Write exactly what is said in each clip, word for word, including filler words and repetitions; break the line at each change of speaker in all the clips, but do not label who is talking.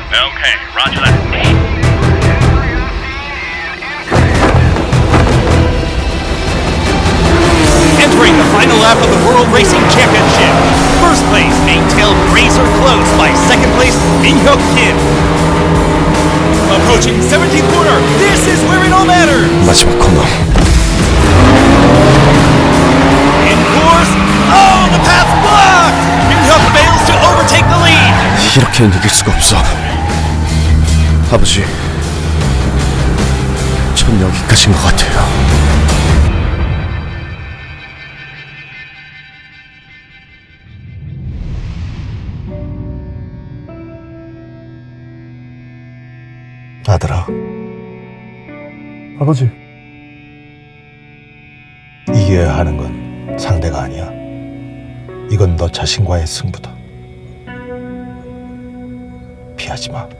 Okay, roger that.
Entering the final lap of the World Racing Championship. First place maintailed razor close by second place Min-hyuk Kim. Approaching seventeenth corner, this is where it all matters.
마지막 코너.
In course, oh, the path's blocked. Min-hyuk fails to overtake the lead.
이렇게는 이길 수가 없어. 아버지, 전 여기까지인 것 같아요. 아들아.
아버지.
이겨야 하는 건 상대가 아니야. 이건 너 자신과의 승부다. 피하지 마.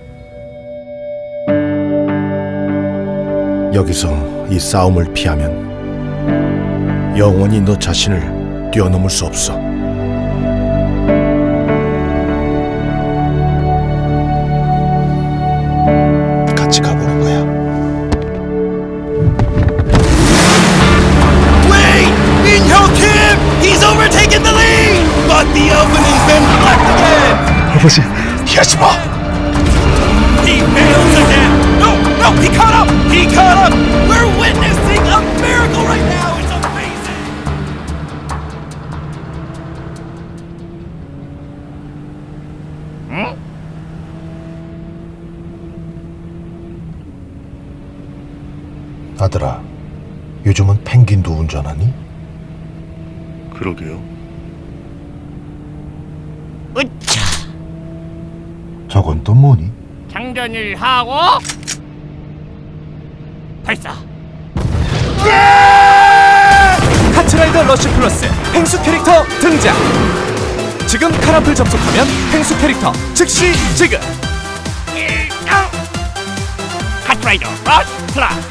여기서 이 싸움을 피하면 영원히 너 자신을 뛰어넘을 수 없어. 같이 가보는 거야.
Wait! Min-hyuk Kim! He's overtaken the lead! But the opening's been blocked again!
아버지.
피하지 마.
He fails again! No! No! He caught up! He caught up! We're witnessing a miracle right now! It's amazing! Hmm?
아들아, 요즘은 펭귄도 운전하니?
그러게요.
으차!
저건 또 뭐니?
장전을 하고 발사!
카트라이더 러쉬 플러스 펭수 캐릭터 등장! 지금 카라플 접속하면 펭수 캐릭터 즉시 지급!
일등! 카트라이더 러쉬 플러스!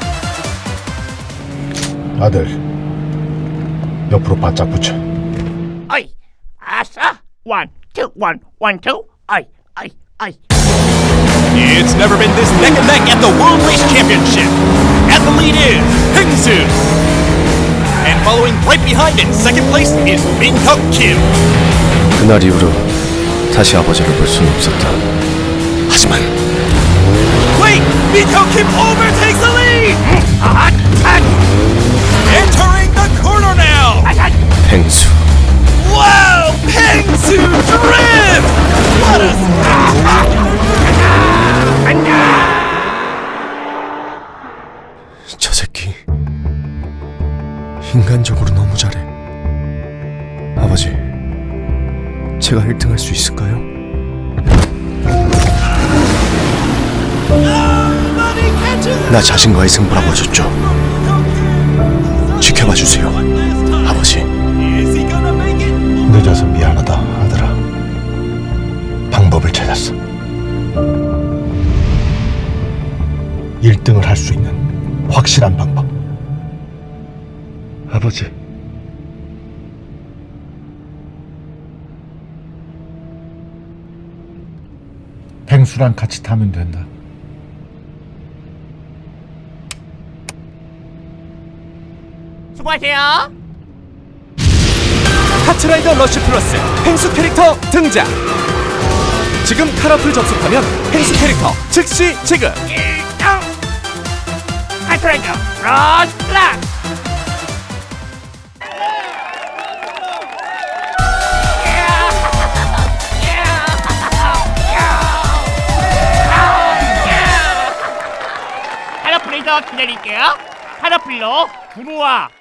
아들, 옆으로 바짝 붙여.
어이! 아싸! 원, 투, 원, 원, 투! 어이! 어이! 어이!
It's never been this neck and neck at the World Race Championship. At the lead is Hengsu. And following right behind in second place is Min-hyuk Kim.
그날 이후로 다시 아버지를 볼 수는 없었다. 하지만
Wait! Min-hyuk Kim overtakes the lead!
아! 아!
Entering the corner now!
펭수.
Wow! Hengsu Drift! What a...
저 새끼 인간적으로 너무 잘해. 아버지, 제가 일 등 할 수 있을까요? 나 자신과의 승부라고 하셨죠? 지켜봐 주세요, 아버지. 늦어서 미안하다, 아들아. 방법을 찾았어. 일 등을 할 수 있는 확실한 방법.
아버지. 펭수랑 같이 타면 된다.
수고하세요!
카트라이더 러쉬 플러스 펭수 캐릭터 등장! 지금 카라플 접속하면 펭수 캐릭터 즉시 지급!
일등! 카트라이더 러쉬 플러스! 카라플에서 기다릴게요. 카라플로 구루와